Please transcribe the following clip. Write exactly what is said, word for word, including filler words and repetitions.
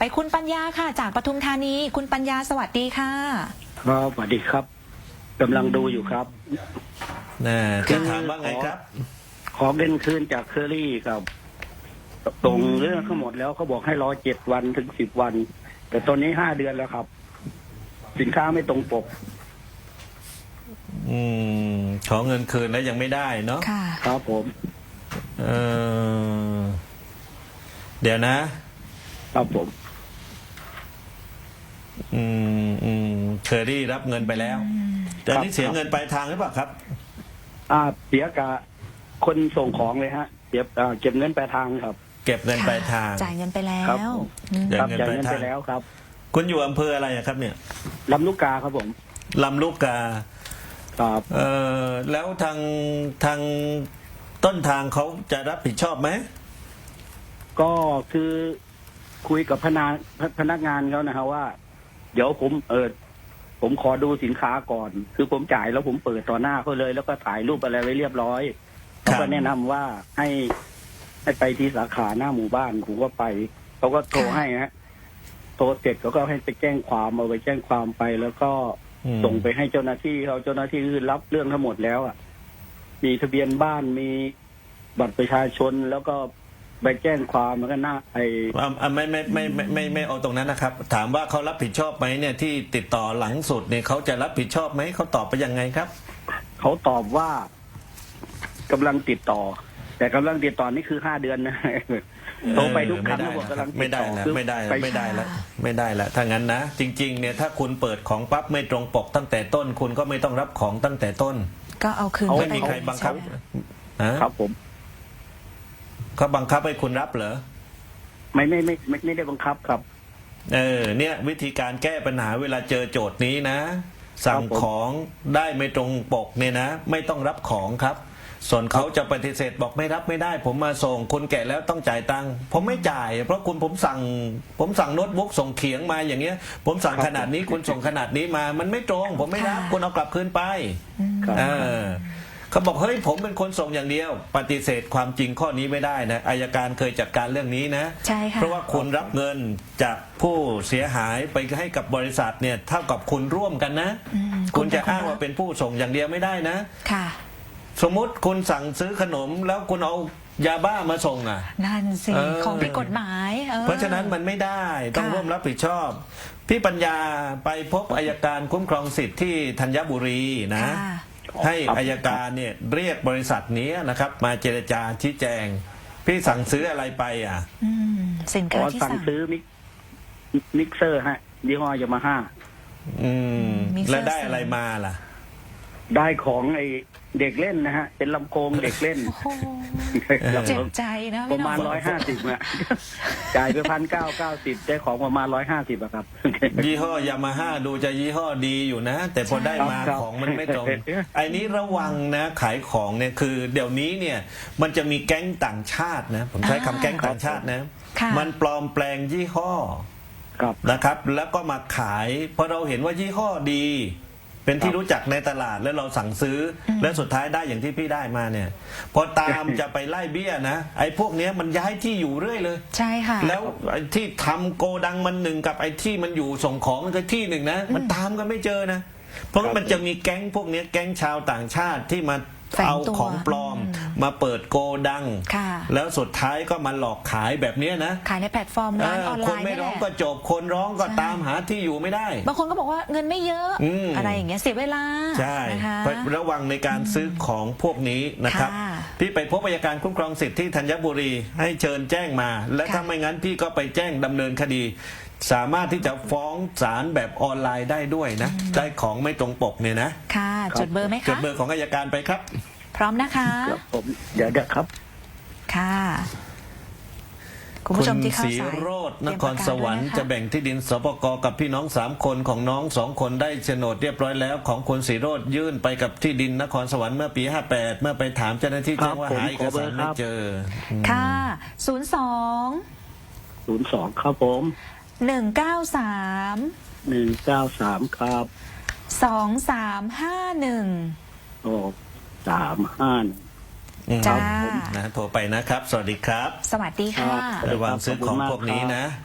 ไปคุณปัญญาค่ะจากปทุมธานีคุณปัญญาสวัสดีค่ะครับสวัสดีครับกำลังดูอยู่ครับน่จะถามว่าไงครับขอเงินคืนจากเคอรี่ครับตรงเรื่องทั้งหมดแล้วเขาบอกให้รอเจ็ดวันถึงสิบวัน แต่ตอนนี้ห้าเดือนแล้วครับ สินค้าไม่ตรงปกอืมขอเงินคืนแล้วยังไม่ได้เนาะค่ะครับผมเออเดี๋ยวนะครับผมอืมอืมเคอรี่รับเงินไปแล้วแต่นี่เสียเงินปลายทางหรือเปล่าครับอ่าเสียกับคนส่งของเลยฮะเก็บอ่าเก็บเงินปลายทางครับเก็บเงินปลายทางจ่ายเงินไปแล้ครับวครับจ่ายเงินไปแล้วครับคุณอยู่อำเภออะไรครับเนี่ยลำลูกกาครับผมลำลูกกาครับเออแล้วทางทางต้นทางเขาจะรับผิดชอบไหมก็คือคุยกับพนักพนักงานเขานะฮะว่า เดี๋ยวผมเออผมขอดูสินค้าก่อน คือผมจ่ายแล้วผมเปิดต่อหน้าเขาเลย แล้วก็ถ่ายรูปอะไรไว้เรียบร้อยเขาก็แนะนำว่าให้ให้ไปที่สาขาหน้าหมู่บ้านผมก็ไปเขาก็โทรให้ฮะโทรเสร็จเขาก็ให้ไปแจ้งความเอาไปแจ้งความไป แล้วก็ส่งไปให้เจ้าหน้าที่เขาเจ้าหน้าที่คือรับเรื่องทั้งหมดแล้วอ่ะมีทะเบียนบ้านมีบัตรประชาชนแล้วก็ไปแจ้งความมันก็น่าไอ้ไม่ไม่ไม่ไม่ไม่ไม่เอาตรงนั้นนะครับ ถามว่าเขารับผิดชอบไหมเนี่ยที่ติดต่อหลังสุดเนี่ยเขาจะรับผิดชอบไหมเขาตอบไปยังไงครับเขาตอบว่ากำลังติดต่อ แต่กำลังติดต่อนี่คือห้าเดือนนะโทรไปทุกครั้งแล้วบอกกำลังไม่ได้แล้วไม่ได้แล้วไม่ได้แล้วไม่ได้แล้วถ้างั้นนะจริงๆเนี่ยถ้าคุณเปิดของปั๊บไม่ตรงปกตั้งแต่ต้นคุณก็ไม่ต้องรับของตั้งแต่ต้นก็เอาคืนไม่มีใครบังคับครับผมเขาบังคับให้คุณรับเหรอไม่ไม่ไม่ไม่ไม่ได้บังคับครับเออเนี่ยวิธีการแก้ปัญหาเวลาเจอโจทย์นี้นะสั่งของได้ไม่ตรงปกเนี่ยนะไม่ต้องรับของครับส่วนเขาจะปฏิเสธบอกไม่รับไม่ได้ผมมาส่งคุณแกะแล้วต้องจ่ายตังค์ผมไม่จ่ายเพราะคุณผมสั่งผมสั่งโน้ตบุ๊กส่งเขียงมาอย่างเงี้ยผมสั่งขนาดนี้คุณส่งขนาดนี้มามันไม่ตรงผมไม่รับคุณเอากลับคืนไปเออเขาบอกเฮ้ยผมเป็นคนส่งอย่างเดียวปฏิเสธความจริงข้อนี้ไม่ได้นะอัยการเคยจัดการเรื่องนี้นะใช่ค่ะเพราะว่าคุณรับเงินจากผู้เสียหายไปให้กับบริษัทเนี่ยเท่ากับคุณร่วมกันนะคุณจะอ้างว่าเป็นผู้ส่งอย่างเดียวไม่ได้นะค่ะสมมุติคุณสั่งซื้อขนมแล้วคุณเอายาบ้ามาส่งอ่ะนั่นสิของผิดกฎหมายเเพราะฉะนั้นมันไม่ได้ต้องร่วมรับผิดชอบพี่ปัญญาไปพบอัยการคุ้มครองสิทธิ์ที่ธัญบุรีนะให้อัยการเนี่ยเรียกบริษัทนี้นะครับมาเจรจาชี้แจงพี่สั่งซื้ออะไรไปอ่ะสินค้าที่สั่งซื้อมิกมิกเซอร์ฮะยี่ห้อยามาฮ่าอืมแล้วได้อะไรมาล่ะได้ของไอเด็กเล่นนะฮะเป็นลำโพงเด็กเล่นเจ็บใจนะประมาณร้อยห้าสิบอะจ่ายไปพันเก้าเก้าสิบได้ของประมาณร้อยห้าสิบอะครับยี่ห้อยามาฮ่าดูจะยี่ห้อดีอยู่นะแต่พอได้มาของมันไม่ตรงไอ้นี้ระวังนะขายของเนี่ยคือเดี๋ยวนี้เนี่ยมันจะมีแก๊งต่างชาตินะผมใช้คำแก๊งต่างชาตินะมันปลอมแปลงยี่ห้อนะครับแล้วก็มาขายเพราะเราเห็นว่ายี่ห้อดีเป็นที่รู้จักในตลาดแล้วเราสั่งซื้อแล้วสุดท้ายได้อย่างที่พี่ได้มาเนี่ยพอตามจะไปไล่เบี้ยนะไอ้พวกนี้มันย้ายที่อยู่เรื่อยเลยใช่ค่ะแล้วไอ้ที่ทำโกดังมันหนึ่งกับไอ้ที่มันอยู่ส่งของมันก็ที่หนึ่งนะมันตามกันไม่เจอนะเพราะมันจะมีแก๊งพวกนี้แก๊งชาวต่างชาติที่มาเอาของปลอมมาเปิดโกดังแล้วสุดท้ายก็มาหลอกขายแบบนี้นะขายในแพลตฟอร์มร้านออนไลน์คนไม่ร้องก็จบคนร้องก็ตามหาที่อยู่ไม่ได้บางคนก็บอกว่าเงินไม่เยอะอะไรอย่างเงี้ยเสียเวลาใช่ระวังในการซื้อของพวกนี้นะครับพี่ไปพบอัยการคุ้มครองสิทธิ์ที่ธัญบุรีให้เชิญแจ้งมาและถ้าไม่งั้นพี่ก็ไปแจ้งดำเนินคดีสามารถที่จะฟ้องศาลแบบออนไลน์ได้ด้วยนะได้ของไม่ตรงปกเนี่ยนะค่ะจดเบอร์ไหมคะจดเบอร์ของอัยการไปครับพร้อมนะคะครับผมเดี๋ยวเดี๋ยวครับค่ะคุณผู้ชมที่เข้าสายคุณศรีโรจน์นครสวรรค์จะแบ่งที่ดินสปก.กับพี่น้องสามคนของน้องสองคนได้โฉนดเรียบร้อยแล้วของคุณศรีโรจน์ยื่นไปกับที่ดินนครสวรรค์เมื่อปีห้าแปดเมื่อไปถามเจ้าหน้าที่แจ้งว่าหาเอกสารไม่เจอค่ะศูนย์สองศูนย์สองครับผมหนึ่งเก้าสามหนึ่งเก้าสามครับสองสามห้าหนึ่งโอ้สามห้าจ้านะโทรไปนะครับสวัสดีครับสวัสดีค่ะระวังซื้อของพวกนี้นะ